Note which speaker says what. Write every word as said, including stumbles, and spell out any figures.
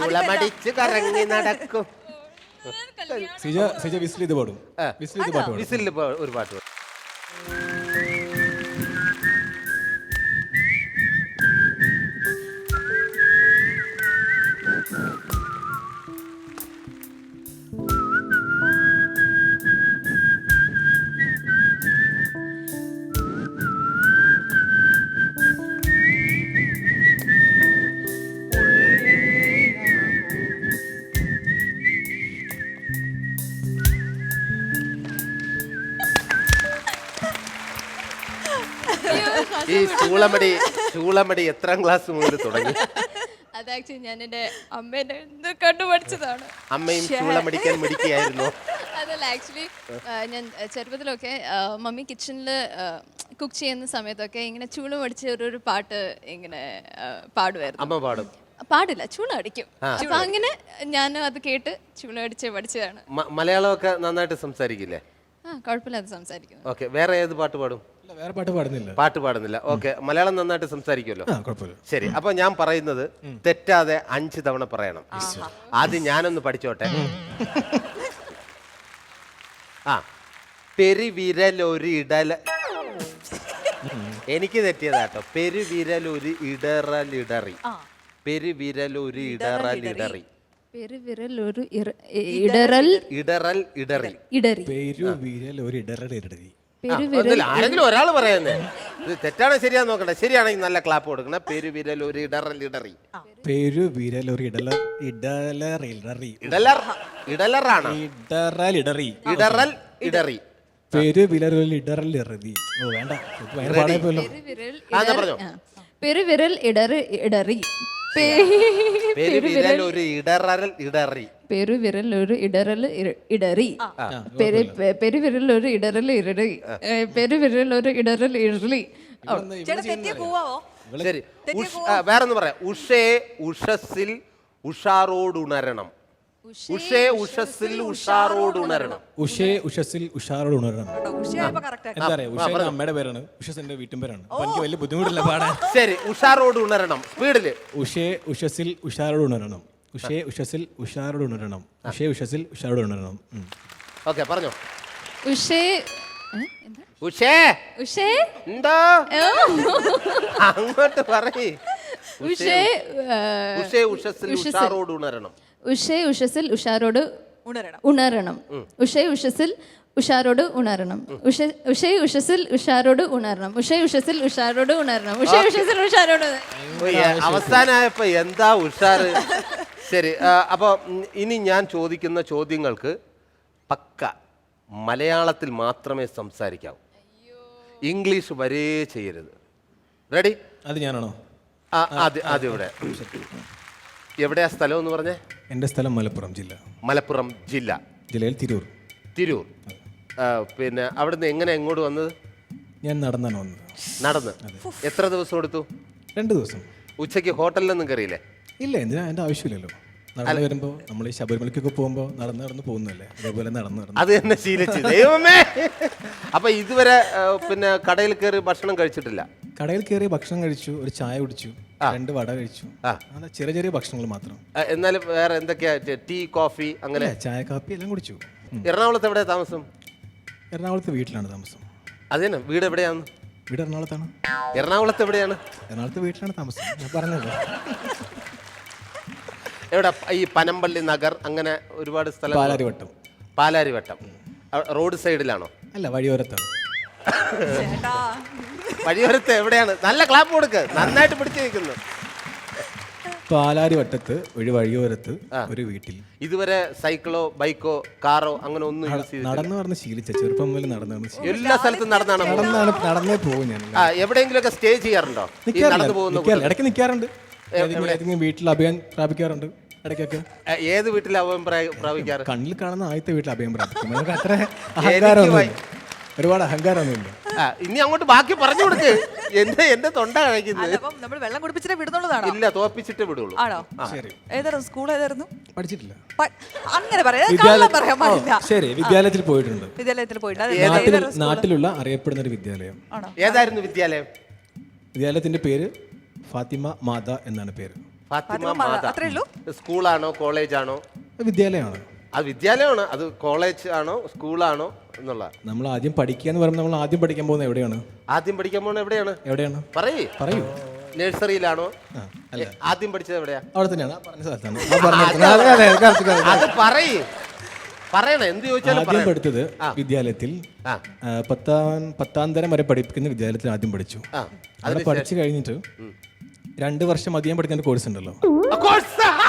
Speaker 1: ചൂളമടിച്ച് കറങ്ങി നടക്കും.
Speaker 2: സിജ സിജ വിസിൽ ഇത് പാടും. വിസിൽ ഇത് പാട്ട് പാടും.
Speaker 1: വിസിലിൽ ഒരു പാട്ട് പാടും. ഈ ചൂളമടി ചൂളമടി എത്രാം ക്ലാസ് മുതൽ തുടങ്ങി?
Speaker 3: അത് ആക്ച്വലി ഞാൻ എൻ്റെ അമ്മേനെ കണ്ടുപഠിച്ചതാണ്.
Speaker 1: അമ്മയും ചൂളമടിക്കാൻ മിടിക്കുകയായിരുന്നു.
Speaker 3: അതല്ല, ആക്ച്വലി ഞാൻ ചെറുപ്പത്തിലൊക്കെ മമ്മി കിച്ചണിൽ കുക്ക് ചെയ്യുന്ന സമയത്തൊക്കെ ഇങ്ങനെ ചൂളം അടിച്ച ഒരു പാട്ട് ഇങ്ങനെ പാടുമായിരുന്നു.
Speaker 1: അമ്മ പാടും?
Speaker 3: പാടില്ല, ചൂളം അടിക്കും. അപ്പൊ അങ്ങനെ ഞാൻ അത് കേട്ട് ചൂളം അടിച്ച് പഠിച്ചതാണ്.
Speaker 1: മലയാളമൊക്കെ നന്നായിട്ട് സംസാരിക്കില്ലേ?
Speaker 3: ആ, കുഴപ്പമില്ലാതെ സംസാരിക്കുന്നു.
Speaker 1: ഓക്കെ, വേറെ ഏത് പാട്ട് പാടും?
Speaker 2: വേറെ പാട്ട് പാടുന്നില്ല.
Speaker 1: പാട്ട് പാടുന്നില്ല. ഓക്കെ, മലയാളം നന്നായിട്ട് സംസാരിക്കുമല്ലോ.
Speaker 2: കുഴപ്പമില്ല.
Speaker 1: ശരി, അപ്പൊ ഞാൻ പറയുന്നത് തെറ്റാതെ അഞ്ച് തവണ പറയണം. ആദ്യം ഞാനൊന്ന് പഠിച്ചോട്ടെ. ആ, പെരുവിരലൊരു ഇടല, എനിക്ക് തെറ്റിയതാട്ടോ. പെരുവിരലൊരു ഇടറലിടറി, പെരുവിരലൊരു ഇടറലിടറി,
Speaker 3: പെരുവിരൽ ഒരു ഇടറൽ
Speaker 1: ഇടറൽ ഇടറി,
Speaker 3: ഇടറി,
Speaker 2: പെരുവിരൽ ഒരു ഇടറൽ ഇടറി.
Speaker 1: ആരെങ്കിലും ഒരാൾ പറയുന്നേ. ഇത് തെറ്റാണ് ശരിയാന്ന് നോക്കട്ടെ. ശരിയാണെങ്കിൽ നല്ല ക്ലാപ്പ് കൊടുക്കണം. പെരുവിരൽ ഒരു ഇടറൽ ഇടറി,
Speaker 2: പെരുവിരൽ ഒരു ഇടല ഇടലറി
Speaker 1: ഇടലർ ഇടലറാണ്
Speaker 2: ഇടറൽ ഇടറി,
Speaker 1: ഇടറൽ ഇടറി,
Speaker 2: പെരുവിരൽ ഒരു ഇടറൽ ഇടറി. ഓ വേണ്ട, പാടാൻ പോലോ.
Speaker 3: പെരുവിരൽ ഇടറി ഇടറി,
Speaker 1: പെരുവിരൽ ഒരു ഇടറൽ ഇടറി,
Speaker 3: പെരുവിരൽ ഒരു ഇടറൽ ഇടറി, പെരുവിരൽ ഒരു ഇടറൽ ഇടറി, പെരുവിരൽ ഒരു ഇടറൽ ഇടറി.
Speaker 1: ശരി, വേറൊന്ന് പറയാം. ഉഷേ ഉഷസ്സിൽ ഉഷാറോടുണരണം, ഉഷേ ഉഷസ്സിൽ ഉഷാറോടുണരണം,
Speaker 2: ഉഷേ ഉഷസ്സിൽ ഉഷാറോടുണരണം. എന്താ പറയാ, ഉഷ അമ്മയുടെ പേരാണ്, ഉഷസ് എന്റെ വീട്ടും പേരാണ്. എനിക്ക് വലിയ ബുദ്ധിമുട്ടില്ല പാടാൻ.
Speaker 1: ശരി, ഉഷാറോട് ഉണരണം സ്പീഡില്.
Speaker 2: ഉഷേ ഉഷസ്സിൽ ഉഷാറോട് ഉണരണം, ഉഷേ ഉഷസ്സിൽ ഉഷാറോട് ഉണരണം, ഉഷേ ഉഷസ്സിൽ ഉഷാറോട് ഉണരണം.
Speaker 1: ഓക്കെ, പറഞ്ഞോ.
Speaker 3: ഉഷേ
Speaker 1: ഉഷേ
Speaker 3: ഉഷേ
Speaker 1: എന്തോ അങ്ങോട്ട് പറയ്.
Speaker 3: ഉഷേ
Speaker 1: ഉഷേ ഉഷസ്സിൽ ഉഷാറോട് ഉണരണം,
Speaker 3: ഉഷേ ഉഷസ്സിൽ ഉഷാറോട് ഉണരണം, ഉഷേ ഉഷസ്സിൽ ഉഷാറോട് ഉണരണം, ഉഷേ ഉഷസ്സിൽ ഉഷാറോട് ഉണരണം, ഉഷേ ഉഷസ്സിൽ ഉഷാറോട് ഉണരണം, ഉഷേ ഉഷസ്സിൽ ഉഷാറോട്.
Speaker 1: അവസാനമായപ്പോ എന്താ ഉഷാറ്. ശരി, അപ്പൊ ഇനി ഞാൻ ചോദിക്കുന്ന ചോദ്യങ്ങൾക്ക് പക്ക മലയാളത്തിൽ മാത്രമേ സംസാരിക്കാവൂ. ഇംഗ്ലീഷ് വരേ ചെയ്യരുത്. റെഡി?
Speaker 2: അത് ഞാനാണോ?
Speaker 1: ആദ്യം ഇവിടെ എവിടെയാ സ്ഥലം എന്ന് പറഞ്ഞേ?
Speaker 2: എൻ്റെ സ്ഥലം മലപ്പുറം ജില്ല.
Speaker 1: മലപ്പുറം ജില്ല,
Speaker 2: ജില്ലയിൽ തിരൂർ.
Speaker 1: തിരൂർ. പിന്നെ അവിടുന്ന് എങ്ങനെ എങ്ങോട്ട് വന്നത്?
Speaker 2: ഞാൻ നടന്നാണ് വന്നത്.
Speaker 1: നടന്ന്? എത്ര ദിവസം എടുത്തു?
Speaker 2: രണ്ട് ദിവസം.
Speaker 1: ഉച്ചയ്ക്ക് ഹോട്ടലിലൊന്നും കയറിയില്ലേ?
Speaker 2: ഇല്ല, എന്തിനാ, അതിൻ്റെ ആവശ്യമില്ലല്ലോ. നടന്നു വരുമ്പോൾ നമ്മൾ ഈ ശബരിമലയ്ക്കൊക്കെ പോകുമ്പോൾ നടന്ന് നടന്ന് പോകുന്നല്ലേ, അതേപോലെ നടന്ന് നടന്ന്
Speaker 1: അത് തന്നെ ശീലിച്ചു. ദൈവമേ, അപ്പൊ ഇതുവരെ പിന്നെ കടയിൽ കയറി ഭക്ഷണം കഴിച്ചിട്ടില്ല?
Speaker 2: കടയിൽ കയറി ഭക്ഷണം കഴിച്ചു, ഒരു ചായ കുടിച്ചു, രണ്ട് വട കഴിച്ചു. അങ്ങനെ ചെറിയ ചെറിയ ഭക്ഷണങ്ങൾ മാത്രം.
Speaker 1: എന്നാലും വേറെ എന്തൊക്കെയാ? ടീ, കോഫി, അങ്ങനെ?
Speaker 2: ചായ, കാപ്പി എല്ലാം കുടിച്ചു.
Speaker 1: എറണാകുളത്ത് എവിടെയാ താമസം?
Speaker 2: എറണാകുളത്ത് വീട്ടിലാണ് താമസം.
Speaker 1: അതന്നെ, വീട് എവിടെയാണ്?
Speaker 2: വീട് എറണാകുളത്താണ്.
Speaker 1: എറണാകുളത്ത് എവിടെയാണ്?
Speaker 2: എറണാകുളത്ത് വീട്ടിലാണ് താമസം, ഞാൻ പറഞ്ഞല്ലോ.
Speaker 1: എവിടെ? ഈ പനമ്പള്ളി നഗർ, അങ്ങനെ ഒരുപാട് സ്ഥലം.
Speaker 2: പാലാരിവട്ടം.
Speaker 1: പാലാരിവട്ടം റോഡ് സൈഡിലാണോ?
Speaker 2: അല്ല, വഴിയോരത്താണ്.
Speaker 1: വഴിയോരത്ത് എവിടെയാണ്? നല്ല ക്ലാപ്പ് കൊടുക്ക്, നന്നായിട്ട് പിടിച്ചു നിൽക്കുന്നു.
Speaker 2: പാലാരിവട്ടത്ത് ഒരു വഴിയോരത്ത് ഒരു വീട്ടിൽ.
Speaker 1: ഇതുവരെ സൈക്കിളോ ബൈക്കോ കാറോ അങ്ങനെ ഒന്നും യൂസ് ചെയ്ത്?
Speaker 2: നടന്നു പറഞ്ഞ് ശീലിച്ച, ചെറുപ്പം മുതൽ നടന്നാണ്.
Speaker 1: എല്ലാ സ്ഥലത്തും നടന്നാണ്
Speaker 2: നടന്നാണ് നടന്നേ പോകും ഞാൻ.
Speaker 1: എവിടെയെങ്കിലും ഒക്കെ സ്റ്റേ ചെയ്യാറുണ്ടോ?
Speaker 2: ഇടയ്ക്ക് നിൽക്കാറുണ്ട്, വീട്ടിൽ അഭയം പ്രാപിക്കാറുണ്ട് ഇടയ്ക്കൊക്കെ.
Speaker 1: ഏത് വീട്ടിൽ അഭയം പ്രാപിക്കാറ്?
Speaker 2: കണ്ണിൽ കാണുന്ന ആദ്യത്തെ വീട്ടിൽ അഭയം പ്രാപിക്കും. നമുക്ക് അത്ര അഹങ്കാരമൊന്നുമില്ല, ഒരുപാട് അഹങ്കാരമൊന്നുമില്ല.
Speaker 1: ഇനി അങ്ങോട്ട് ബാക്കി പറഞ്ഞു കൊടുക്ക്. എന്റെ എന്റെ തൊണ്ട കഴിക്കുന്നത്.
Speaker 4: നമ്മൾ വെള്ളം കുടിപ്പിച്ചിട്ടേ വിടുന്നുള്ളതാണോ?
Speaker 1: ഇല്ല, തോപ്പിച്ചിട്ടേ വിടുള്ളൂ.
Speaker 4: ആണോ? ഏതായിരുന്നു സ്കൂൾ? ഏതായിരുന്നു?
Speaker 2: പഠിച്ചിട്ടില്ല.
Speaker 4: അങ്ങനെ പറയാൻ പാടില്ല.
Speaker 2: ശരി, വിദ്യാലയത്തിൽ പോയിട്ടുണ്ട്.
Speaker 4: വിദ്യാലയത്തിൽ പോയിട്ടുണ്ട്.
Speaker 2: നാട്ടിലുള്ള അറിയപ്പെടുന്ന ഒരു വിദ്യാലയം.
Speaker 1: ഏതായിരുന്നു വിദ്യാലയം?
Speaker 2: വിദ്യാലയത്തിന്റെ പേര് ഫാത്തിമ മാത എന്നാണ് പേര്.
Speaker 1: ഫാത്തിമ
Speaker 4: മാത,
Speaker 1: മാത
Speaker 4: അത്രേ ഉള്ളൂ?
Speaker 1: സ്കൂളാണോ കോളേജാണോ?
Speaker 2: വിദ്യാലയമാണ്.
Speaker 1: അത് വിദ്യാലയമാണ്, അത് കോളേജ് ആണോ സ്കൂളാണോ എന്നുള്ള.
Speaker 2: നമ്മൾ ആദ്യം പഠിക്കുക എന്ന് പറയുമ്പോൾ നമ്മൾ ആദ്യം പഠിക്കാൻ പോകുന്നത് എവിടെയാണ്?
Speaker 1: ആദ്യം പഠിക്കാൻ പോകുന്നത് എവിടെയാണ്?
Speaker 2: എവിടെയാണ്
Speaker 1: പറയേ.
Speaker 2: പറയൂ.
Speaker 1: നഴ്സറിയിലാണോ?
Speaker 2: ആ, അല്ല,
Speaker 1: ആദ്യം പഠിച്ചത് എവിടെയാ?
Speaker 2: അവിടെ തന്നെയാണ്, ആ പറഞ്ഞ സ്ഥലത്താണ്. ആ പറഞ്ഞ സ്ഥലത്താണ്. അതെ, അതെ, correct, correct.
Speaker 1: അത് പറയേ, പറയണേ, എന്ത് ചോദിച്ചാലും
Speaker 2: ആദ്യം
Speaker 1: പറയണം.
Speaker 2: പഠിച്ചത് വിദ്യാലയത്തിൽ
Speaker 1: ആ.
Speaker 2: ആ, പത്താം പത്താം തരം വരെ പഠിപ്പിക്കുന്ന വിദ്യാലയത്തിൽ ആദ്യം പഠിച്ചു.
Speaker 1: ആ,
Speaker 2: അവിടെ പഠിച്ചു കഴിഞ്ഞിട്ട് രണ്ട് വർഷം അധികം പഠിക്കുന്ന കോഴ്സ് ഉണ്ടല്ലോ.
Speaker 1: ആ, course.